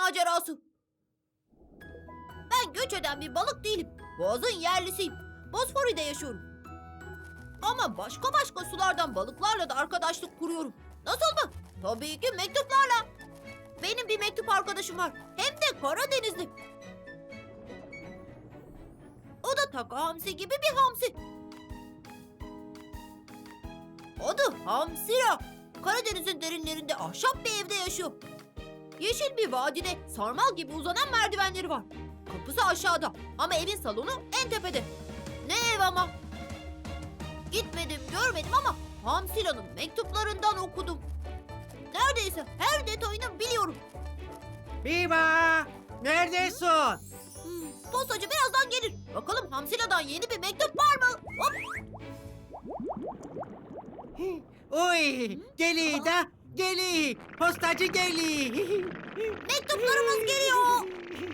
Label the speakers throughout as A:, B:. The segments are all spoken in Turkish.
A: macerası. Ben göç eden bir balık değilim. Boğazın yerlisiyim. Bosfori'de yaşıyorum. Ama başka sulardan balıklarla da arkadaşlık kuruyorum. Nasıl mı? Tabii ki mektuplarla. Benim bir mektup arkadaşım var. Hem de Karadenizli. O da Taka Hamsi gibi bir hamsi. Adı Hamsira. Karadeniz'in derinlerinde ahşap bir evde yaşıyor. Yeşil bir vadide sarmal gibi uzanan merdivenleri var. Kapısı aşağıda ama evin salonu en tepede. Ne ev ama. Gitmedim, görmedim ama Hamsira'nın mektuplarından okudum. Neredeyse her detayını biliyorum.
B: Biba! Neredesin?
A: Postacı birazdan gelir. Bakalım Hamsira'dan yeni bir mektup var mı? Hop!
B: Oy! Geli da! Geli! Postacı geli!
A: Mektuplarımız geliyor.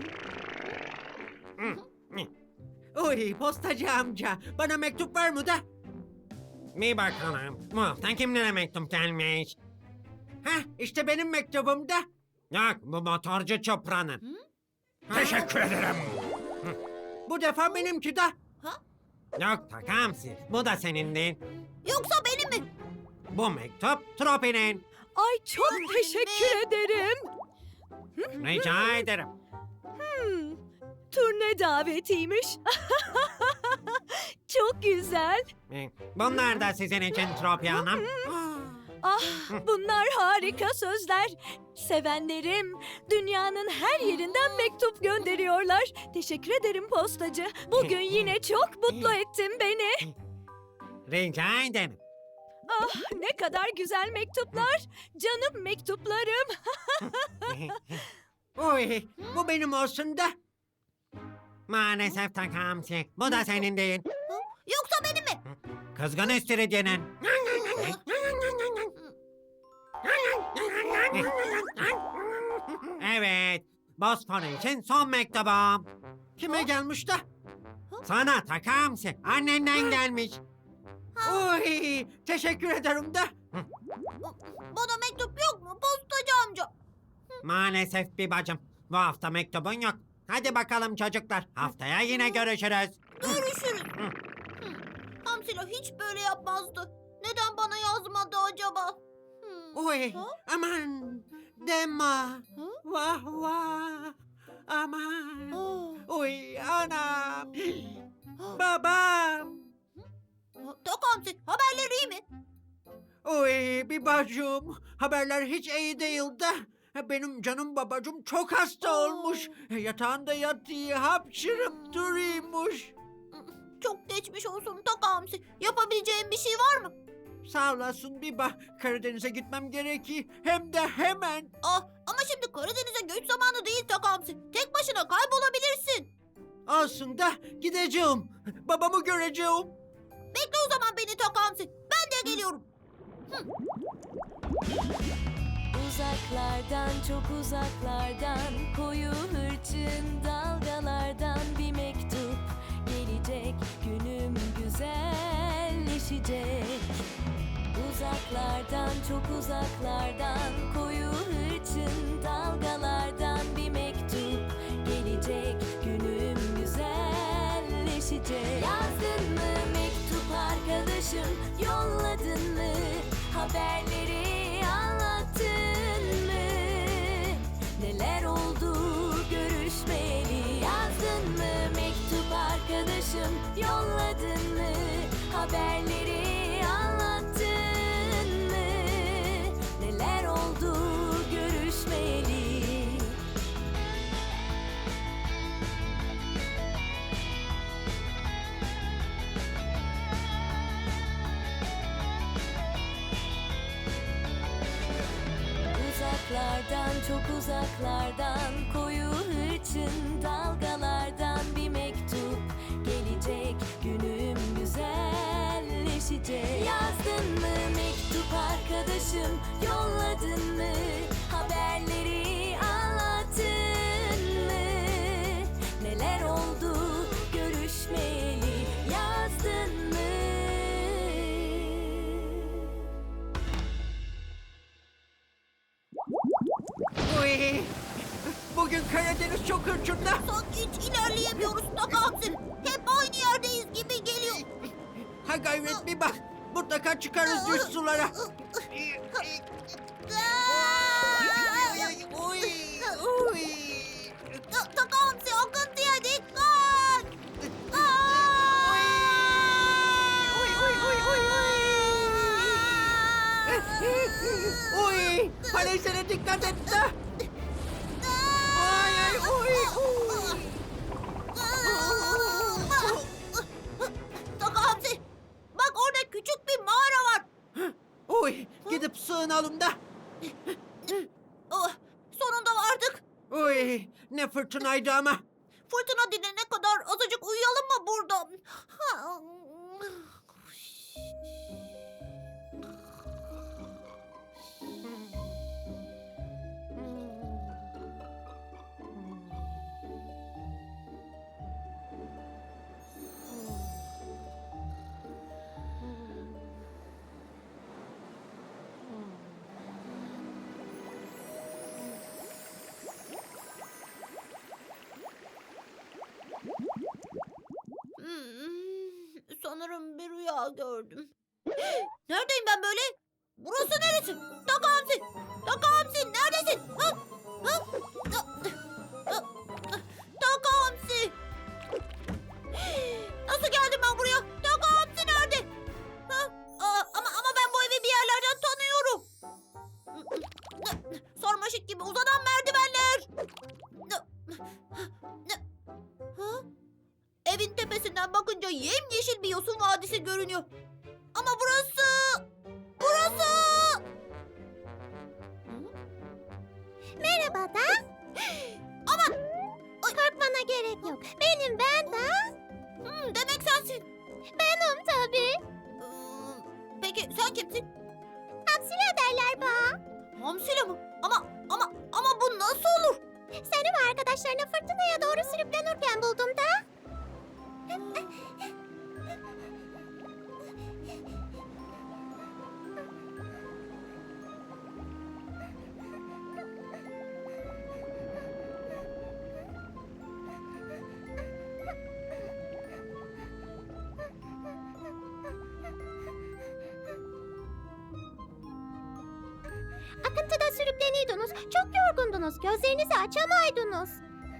B: Oy postacı amca! Bana mektup var mı da?
C: Bir bakalım. Bu hafta kimlere mektup gelmiş?
B: Hah işte benim mektubum da.
C: Yok, bu motorcu Çopra'nın. Teşekkür ederim.
B: Bu defa benimki de.
A: Ha?
C: Yok Takamsi, bu da senin değil.
A: Yoksa benim mi?
C: Bu mektup Tropi'nin.
D: Ay çok teşekkür ederim.
C: Rica ederim.
D: Turne davetiymiş. Çok güzel.
C: Bunlar da sizin için Tropi Hanım.
D: Ah, bunlar harika sözler. Sevenlerim dünyanın her yerinden mektup gönderiyorlar. Teşekkür ederim postacı. Bugün yine çok mutlu ettin beni.
C: Rica ederim.
D: Ah, ne kadar güzel mektuplar. Canım mektuplarım.
B: Oy bu benim olsun da.
C: Maalesef Takamsi, bu da senin değil.
A: Yoksa benim mi?
C: Kızgın istiridyenin. Evet, Bosfor için son mektubum.
B: Kime gelmiş de?
C: Sana Takamsi, annenden gelmiş.
B: Oy teşekkür ederim de.
A: Bana mektup yok mu postacı amca?
C: Maalesef bir bacım, bu hafta mektubun yok. Hadi bakalım çocuklar, haftaya yine görüşürüz.
A: Görüşürüz. Hamsila hiç böyle yapmazdı. Neden bana yazmadı acaba?
B: Oy
A: Ha?
B: aman deme. Vah vah. Aman. Oy anam. Babam.
A: Tak Hamsi, haberleri iyi mi?
B: Oy bir bacım. Haberler hiç iyi değil de. Benim canım babacım çok hasta olmuş. Yatağında yatıyor, hapşırıp duruyormuş.
A: Çok geçmiş olsun Tak Hamsi. Yapabileceğim bir şey var mı?
B: Sağ olasın Biba. Karadeniz'e gitmem gerekiyor. Hem de hemen.
A: Ama şimdi Karadeniz'e göç zamanı değil Tak Hamsi. Tek başına kaybolabilirsin.
B: Olsun da gideceğim. Babamı göreceğim.
A: Bekle o zaman beni Tak Hamsi. Ben de geliyorum.
E: Uzaklardan çok uzaklardan koyu hırçın dalgalardan bir mektup gelecek, günüm güzelleşecek. Uzaklardan çok uzaklardan koyu hırçın dalgalardan bir mektup gelecek, günüm güzelleşecek. Yazdın mı mektup arkadaşım, yolladın mı haberleri, anlattın mı neler oldu görüşmeyeli? Yazdın mı mektup arkadaşım, yolladın mı haberleri, anlattın mı neler oldu görüşmeyeli? Uzaklardan çok uzaklardan koyu hırçın dalgalardan bir mektup gelecek, günüm güzelleşecek. Yazdın mı mektup arkadaşım, yolladın mı haberleri, anlattın mı neler oldu görüşmeyeli? Yazdın mı?
B: Oy. Bugün Karadeniz çok hırçında.
A: Sanki hiç ilerleyemiyoruz Taka Hamsi. Hep aynı yerdeyiz gibi geliyor.
B: Ha gayret bir bak. Mutlaka çıkarız düz sulara.
A: Taka Hamsi akıntıya dikkat.
B: Uy! Falezlere dikkat et de. Ay ay uy uy.
A: Taka Hamsi, bak orada küçük bir mağara var.
B: Uy! Gidip sığınalım da.
A: Oh, sonunda vardık.
B: Uy! Ne fırtınaydı ama.
A: Fırtına dinene kadar azıcık uyuyalım mı burada? Sanırım bir rüya gördüm. Neredeyim ben böyle? Burası neresi? Taka Hamsi! Taka Hamsi neredesin? Ha? Ha? Taka Hamsi! Nasıl geldim ben buraya? Taka Hamsi nerede? Ha? Ama ben bu evi bir yerlerden tanıyorum. Sarmaşık gibi uzanan merdivenler. Ha? Evin tepesinden bakınca yemyeşil bir yosun vadisi görünüyor. Ama burası...
F: Merhaba da.
A: Aman!
F: Korkmana gerek yok. Benim ben de.
A: Demek sensin.
F: Benim tabii.
A: Peki sen kimsin?
F: Hamsile derler bana.
A: Hamsile mi? Ama bu nasıl olur?
F: Seni ve arkadaşlarını fırtınaya doğru sürüklenirken buldum da. Akıntıda sürükleniyordunuz. Çok yorgundunuz. Gözlerinizi açamaydınız.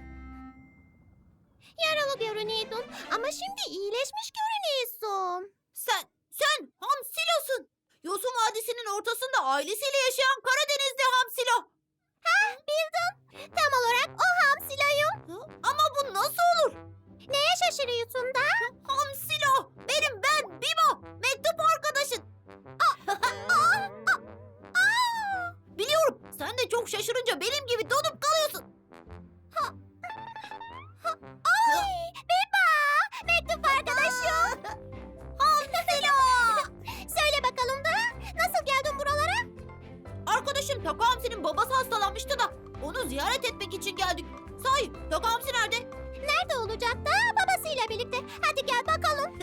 F: Yaralı görünüyordun ama şimdi iyileşmiş görünüyorsun.
A: Sen Hamsilo'sun. Yosun Vadisi'nin ortasında ailesiyle yaşayan Karadenizli Hamsilo.
F: Bildin. Tam olarak o Hamsilo'yum.
A: Ama bu nasıl olur?
F: Neye şaşırıyorsun da?
A: Hamsilo! Ben Bibo! Mektup arkadaşın. Biliyorum. Sen de çok şaşırınca benim gibi donup kalıyorsun.
F: Ay, Biba! Mektup arkadaşım.
A: Hamsilo!
F: Söyle bakalım da nasıl geldin buralara?
A: Arkadaşım Taka Hamsi'nin babası hastalanmıştı da onu ziyaret etmek için geldik. Sahi Taka Hamsi nerede?
F: Nerede olacak da babasıyla birlikte. Hadi gel bakalım.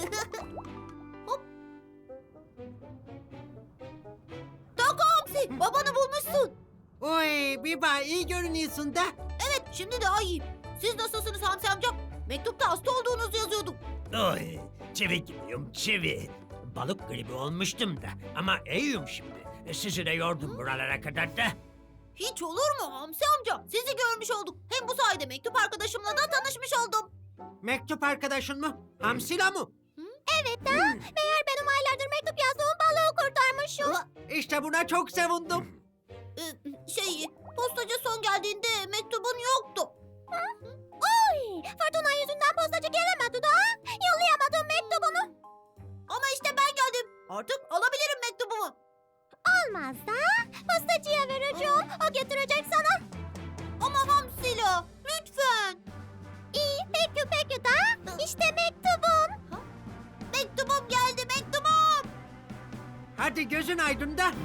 A: Taka Hamsi babanı bulmuşsun.
B: Uy! Biba iyi görünüyorsun da.
A: Evet şimdi daha iyiyim. Siz nasılsınız Hamsi amca? Mektupta hasta olduğunuzu yazıyordum.
C: Oy, çivi gibiyim, çivi. Balık gribi olmuştum da ama iyiyim şimdi. Sizi de yordum buralara kadar da.
A: Hiç olur mu Hamsi amca? Sizi görmüş olduk. Hem bu sayede mektup arkadaşımla da tanışmış oldum.
B: Mektup arkadaşın mı? Hamsila mı?
F: Evet da meğer benim aylardır mektup yazdığım balığı kurtarmışım.
B: İşte buna çok sevindim.
A: Postacı son geldiğinde mektubun yoktu.
F: Oy, fırtına yüzünden postacı gelemedi da. Yollayamadım mektubunu.
A: Ama işte ben geldim. Artık alabilirim mektubumu.
F: Olmaz da postacıya vereceğim. O getirecek sana.
A: Ama Hamsila lütfen.
F: İyi peki da işte mektubum.
A: Mektubum geldi mektubum.
B: Hadi gözün aydın da.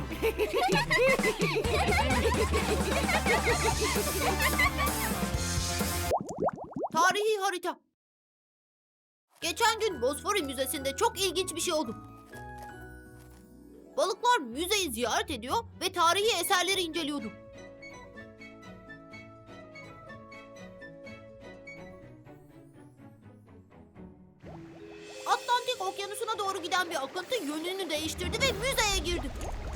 A: Tarihi harita. Geçen gün Bosfori Müzesi'nde çok ilginç bir şey oldu. Balıklar müzeyi ziyaret ediyor ve tarihi eserleri inceliyordu. Okyanusu'na doğru giden bir akıntı yönünü değiştirdi ve müzeye girdi.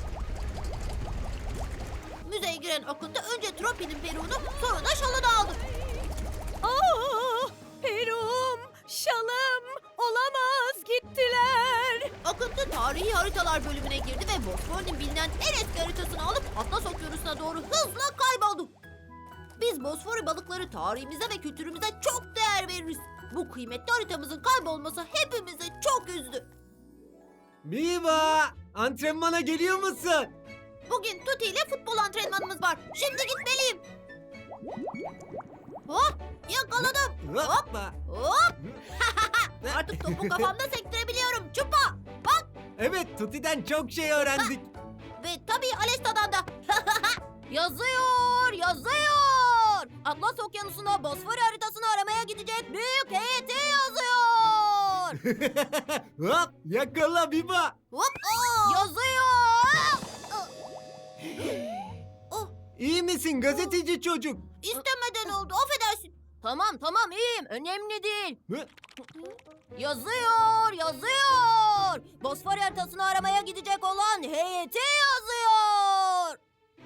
A: Müzeye giren akıntı önce Tropi'nin peruğunu sonra da şalını aldı.
D: Aa, Perum, şalım, olamaz gittiler.
A: Akıntı tarihi haritalar bölümüne girdi ve Bosfor'un bilinen en eski haritasını alıp Atlas Okyanusu'na doğru hızla kayboldu. Biz Bosfor balıkları tarihimize ve kültürümüze çok değer veririz. Bu kıymetli haritamızın kaybolması hepimizi çok üzdü.
G: Miva! Antrenmana geliyor musun?
A: Bugün Tuti ile futbol antrenmanımız var. Şimdi gitmeliyim. Hop! Yakaladım.
G: Hoppa!
A: Hop! Artık topu kafamda sektirebiliyorum. Çupa!
G: Evet, Tuti'den çok şey öğrendik.
A: Ve tabii Alesta'dan da. Yazıyor, yazıyor. Atlas Okyanusu'na Bosfor haritasını aramaya gidecek büyük heyeti yazıyor.
G: Hop! Yakala Miva!
A: Hop! Yazıyor.
G: İyi misin gazeteci çocuk?
A: İstemeden oldu, affedersin. Tamam iyiyim. Önemli değil.
G: Hı?
A: Yazıyor, yazıyor. Bosfor haritasını aramaya gidecek olan heyeti yazıyor.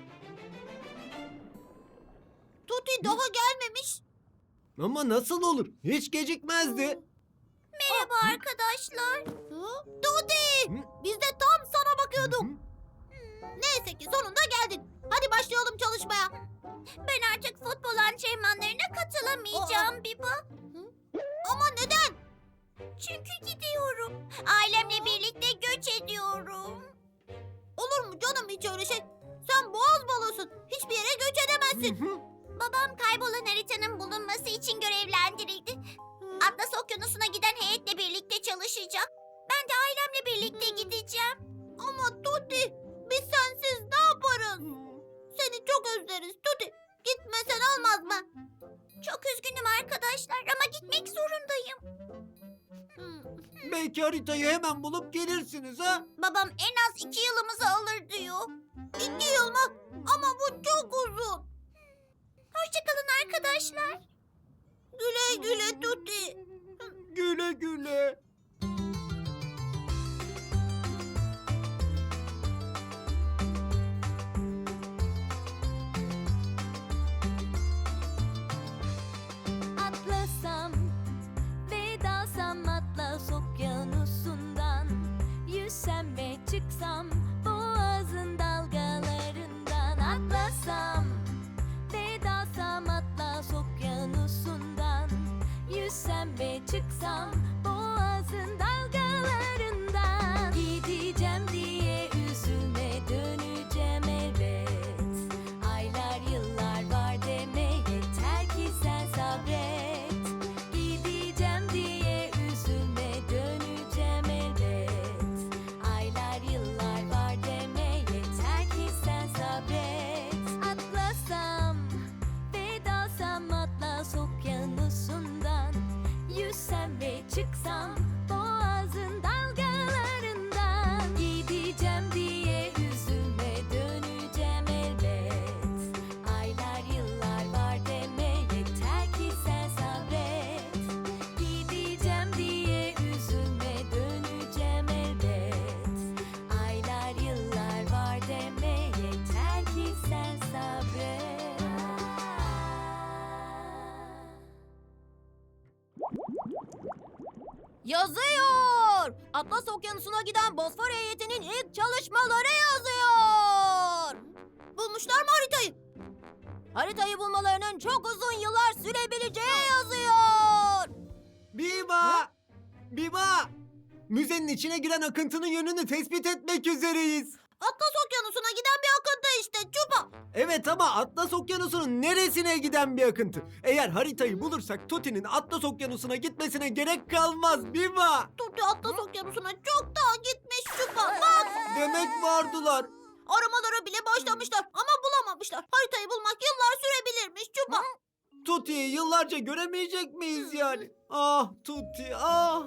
A: Tuti daha gelmemiş.
G: Ama nasıl olur? Hiç gecikmezdi.
F: Merhaba arkadaşlar.
A: Tuti!
G: Hı?
A: Biz de tam sana bakıyorduk.
G: Hı?
A: Neyse ki sonunda geldin. Hadi başlayalım çalışmaya.
F: Ben artık futbol antrenmanlarına katılamayacağım Biba.
A: Ama neden?
F: Çünkü gidiyorum. Ailemle birlikte göç ediyorum.
A: Olur mu canım hiç öyle şey? Sen boğaz balığısın. Hiçbir yere göç edemezsin.
F: Babam kaybolan haritanın bulunması için görevlendirildi. Atlas Okyanusu'na giden heyetle birlikte çalışacak. Ben de ailemle birlikte gideceğim.
A: Ama Tuti, biz sensiz ne yaparız? Seni çok özleriz Tuti. Gitmesen olmaz mı?
F: Çok üzgünüm arkadaşlar ama gitmek zorundayım.
G: Belki haritayı hemen bulup gelirsiniz ha?
F: Babam en az 2 yılımızı alır diyor.
A: 2 yıl mı? Ama bu çok uzun.
F: Hoşçakalın arkadaşlar.
A: Güle güle Tuti.
G: Güle güle.
E: Atlasam ve dalsam Atlas Okyanusu'ndan, yüzsem ve çıksam boğazın dalgalarından. Atlasam ve dalsam Atlas Okyanusu'ndan, yüzsem ve çıksam boğazın dalgalarından. Gideceğim diye üzülme, döneceğim elbet. Aylar yıllar var deme, yeter ki sen sabret. Gideceğim diye üzülme, döneceğim elbet. Aylar yıllar var deme, yeter ki sen sabret. Atlasam ve dalsam Atlas Okyanusu'ndan, yüzsem ve çıksam boğazın dalgalarından. Gideceğim diye üzülme, döneceğim elbet. Aylar yıllar var deme, yeter ki sen sabret. Gideceğim diye üzülme, döneceğim elbet. Aylar yıllar var deme, yeter ki sen sabret.
A: Yazıyor. Atlas Okyanusu'na giden Bosfor heyetinin ilk çalışmaları yazıyor. Bulmuşlar mı haritayı? Haritayı bulmalarının çok uzun yıllar sürebileceği yazıyor.
G: Miva! Miva! Müzenin içine giren akıntının yönünü tespit etmek üzereyiz.
A: Atlas Okyanusu'na giden bir akıntı işte Çupa.
G: Evet ama Atlas Okyanusu'nun neresine giden bir akıntı? Eğer haritayı bulursak Tuti'nin Atlas Okyanusu'na gitmesine gerek kalmaz Miva!
A: Tuti Atlas Okyanusu'na çoktan gitmiş Çupa. Bak.
G: Demek vardılar.
A: Aramalara bile başlamışlar ama bulamamışlar. Haritayı bulmak yıllar sürebilirmiş Çupa.
G: Tuti'yi yıllarca göremeyecek miyiz yani? Ah Tuti ah!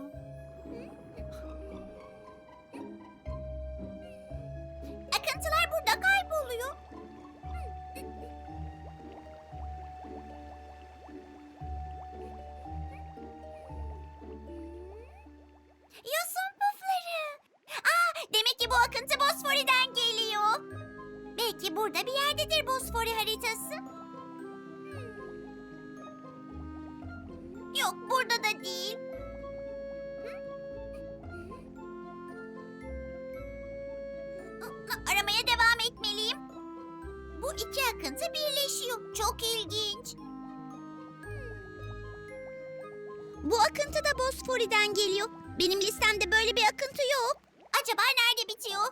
F: Akıntılar burada kayboluyor. Yosun Belki burada bir yerdedir Bosfori haritası. Yok, burada da değil. Aramaya devam etmeliyim. Bu iki akıntı birleşiyor. Çok ilginç. Bu akıntı da Bosfori'den geliyor. Benim listemde böyle bir akıntı yok. Acaba nerede bitiyor?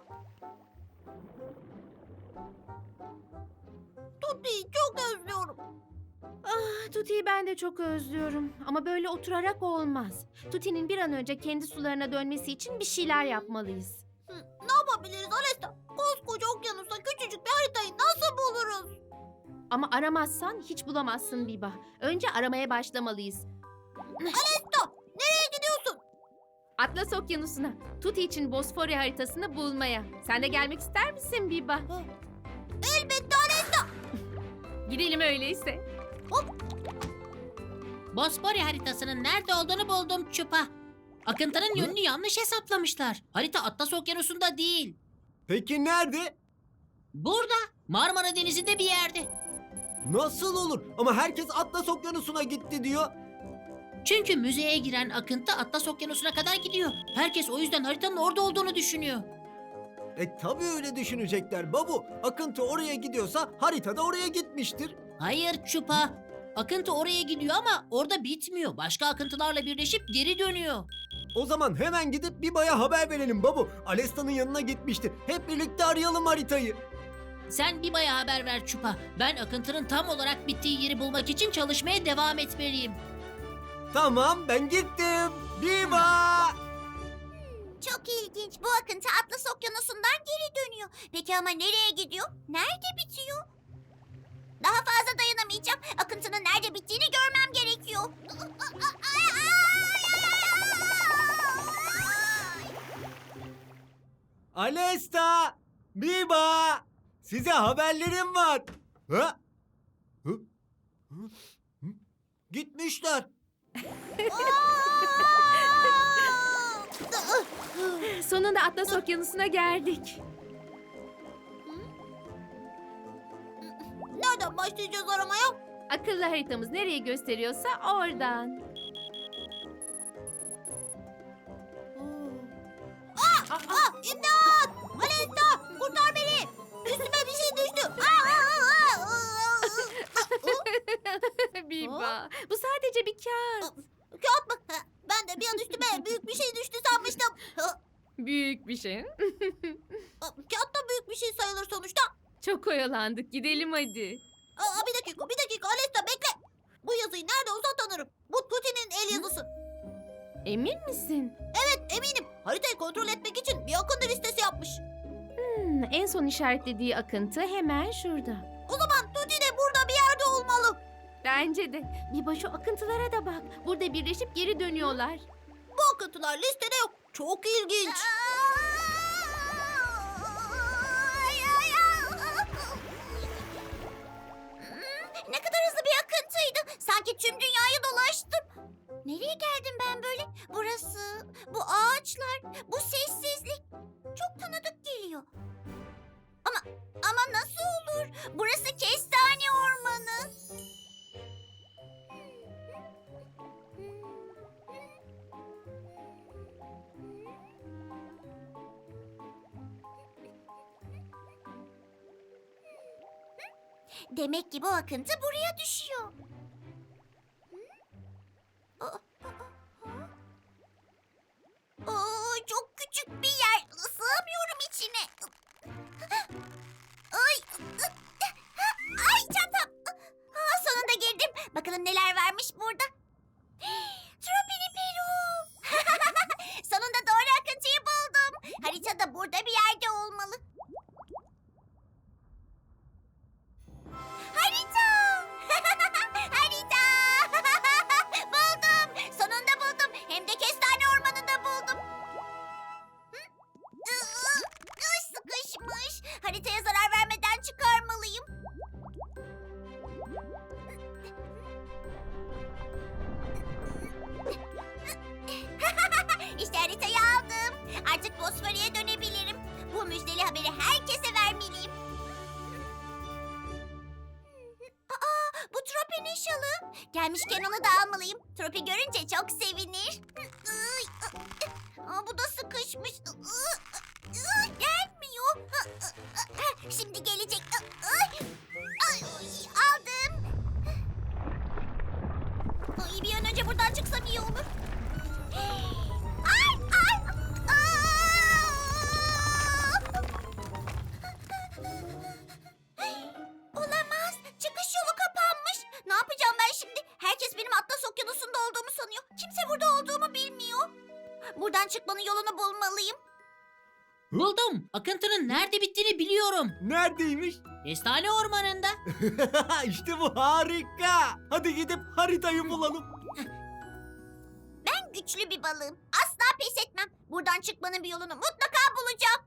A: Tuti'yi çok özlüyorum.
H: Tuti'yi ben de çok özlüyorum. Ama böyle oturarak olmaz. Tuti'nin bir an önce kendi sularına dönmesi için bir şeyler yapmalıyız.
A: Ne yapabiliriz Alesta? Koskoca okyanusta küçücük bir haritayı nasıl buluruz?
H: Ama aramazsan hiç bulamazsın Biba. Önce aramaya başlamalıyız.
A: Alesta, nereye gidiyorsun?
H: Atlas Okyanusu'na, Tuti için Bosfori haritasını bulmaya. Sen de gelmek ister misin Biba?
A: Elbette Alesta.
H: Gidelim öyleyse.
I: Bosfori haritasının nerede olduğunu buldum Çupa. Akıntının yönünü yanlış hesaplamışlar. Harita Atlas Okyanusu'nda değil.
G: Peki nerede?
I: Burada, Marmara Denizi'nde bir yerde.
G: Nasıl olur? Ama herkes Atlas Okyanusu'na gitti diyor.
I: Çünkü müzeye giren akıntı Atlas Okyanusu'na kadar gidiyor. Herkes o yüzden haritanın orada olduğunu düşünüyor.
G: Tabii öyle düşünecekler babu. Akıntı oraya gidiyorsa harita da oraya gitmiştir.
I: Hayır Çupa. Akıntı oraya gidiyor ama orada bitmiyor. Başka akıntılarla birleşip geri dönüyor.
G: O zaman hemen gidip Biba'ya haber verelim babu. Alesta'nın yanına gitmişti. Hep birlikte arayalım haritayı.
I: Sen Biba'ya haber ver Çupa. Ben akıntının tam olarak bittiği yeri bulmak için çalışmaya devam etmeliyim.
G: Tamam, ben gittim. Biba!
F: Çok ilginç. Bu akıntı Atlas Okyanusu'ndan geri dönüyor. Peki ama nereye gidiyor? Nerede bitiyor? Daha fazla dayanamayacağım. Akıntının nerede bittiğini görmem gerekiyor.
G: Alesta! Biba! Size haberlerim var. Ha? Hı? Hı? Hı? Gitmişler.
H: Sonunda Atlas Okyanusu'na geldik.
A: Nereden başlayacağız aramaya?
H: Akıllı haritamız nereye gösteriyorsa oradan.
A: İmdat! Alesta, kurtar beni! Üstüme bir şey düştü.
H: Biba, bu sadece bir kağıt.
A: Kağıt mı? Ben de bir an üstüme büyük bir şey düştü sanmıştım.
H: Büyük bir şey.
A: Kağıt da büyük bir şey sayılır sonuçta.
H: Çok oyalandık. Gidelim hadi.
A: Bir dakika Alesta bekle. Bu yazıyı nerede olsa tanırım. Bu Tuti'nin el yazısı.
H: Emin misin?
A: Evet eminim. Haritayı kontrol etmek için bir akıntı listesi yapmış.
H: En son işaretlediği akıntı hemen şurada.
A: O zaman Tuti de burada bir yerde olmalı.
H: Bence de. Biba şu akıntılara da bak. Burada birleşip geri dönüyorlar.
A: Bu akıntılar listede yok. Çok ilginç.
F: Ne kadar hızlı bir akıntıydı. Sanki tüm dünyayı dolaştım. Nereye geldim ben böyle? Burası, bu ağaçlar, bu sessizlik. Çok tanıdık geliyor. Ama nasıl olur? Burası kestane ormanı. Demek ki bu akıntı buraya düşüyor. Çok küçük bir yer. Sığamıyorum içine. Ay çantam. Sonunda girdim. Bakalım neler varmış burada. Tropini Peru. Sonunda doğru akıntıyı buldum. Haritada burada bir yerde olmalı. Harita! Harita! Buldum. Sonunda buldum. Hem de kestane ormanında buldum. Sıkışmış. Haritaya zarar vermeden çıkarmalıyım. İşte haritayı aldım. Artık Bosfori'ye dönebilirim. Bu müjdeli haberi herkese vermeliyim. şalı. Gelmişken onu da almalıyım. Tropi görünce çok sevinir. Aa, bu da sıkışmış. Gelmiyor. Şimdi gelecek. Aldım. Ay, bir an önce buradan çıksam iyi olur. Ay, ay. Olamaz. Çıkış yolu kapanmış. Ne yapacağım ben şimdi? Herkes benim Atlas Okyanusu'nda olduğumu sanıyor. Kimse burada olduğumu bilmiyor. Buradan çıkmanın yolunu bulmalıyım.
I: Buldum. Akıntının nerede bittiğini biliyorum.
G: Neredeymiş?
I: Kestane ormanında.
G: İşte bu harika. Hadi gidip haritayı bulalım.
F: Ben güçlü bir balığım. Asla pes etmem. Buradan çıkmanın bir yolunu mutlaka bulacağım.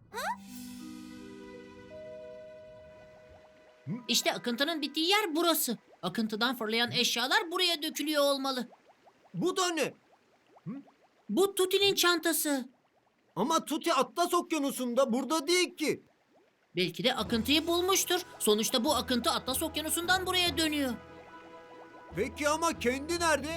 I: İşte akıntının bittiği yer burası. Akıntıdan fırlayan eşyalar buraya dökülüyor olmalı.
G: Bu da ne?
I: Bu Tuti'nin çantası.
G: Ama Tuti Atlas Okyanusu'nda, burada değil ki.
I: Belki de akıntıyı bulmuştur. Sonuçta bu akıntı Atlas Okyanusu'ndan buraya dönüyor.
G: Peki ama kendi nerede?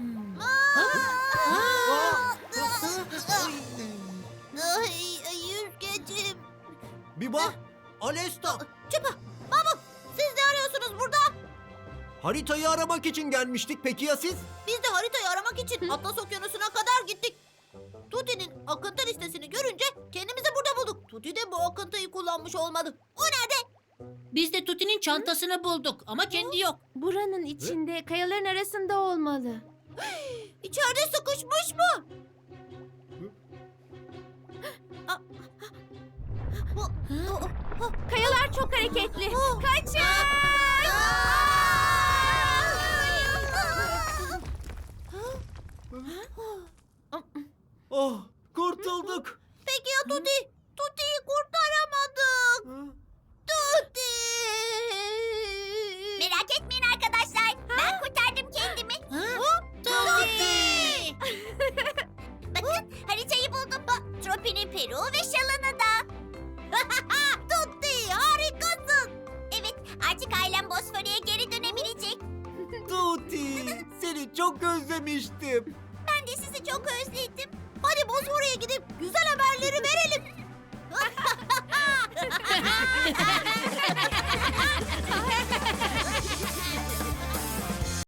F: Ay, yüzgecim.
B: Biba, Alesta,
A: Çupa, Mahmut, siz ne arıyorsunuz burada?
G: Haritayı aramak için gelmiştik. Peki ya siz?
A: Biz de haritayı aramak için Atlas Okyanusu'na kadar gittik. Tuti'nin akıntı listesini görünce kendimizi burada bulduk. Tuti de bu akıntıyı kullanmış olmalı. O nerede?
I: Biz de Tuti'nin çantasını bulduk ama kendi yok.
H: Buranın içinde, kayaların arasında olmalı.
A: İçeride sıkışmış mı?
H: Kayalar çok hareketli. Kaçın!
G: Oh, kurtulduk.
A: Peki ya Tuti? Tuti'yi kurtaramadık. Tuti!
F: Merak etmeyin arkadaşlar. Ben kurtardım kendimi.
A: Tuti!
F: Bakın haritayı buldum. Tropi'nin peruğu ve şalını da.
A: Tuti harikasın.
F: Evet, artık ailem Bosfor'a geri dönebilecek.
G: Tuti, seni çok özlemiştim.
F: Ben de sizi çok özledim.
A: Hadi Bosfor'a gidip güzel haberleri verelim.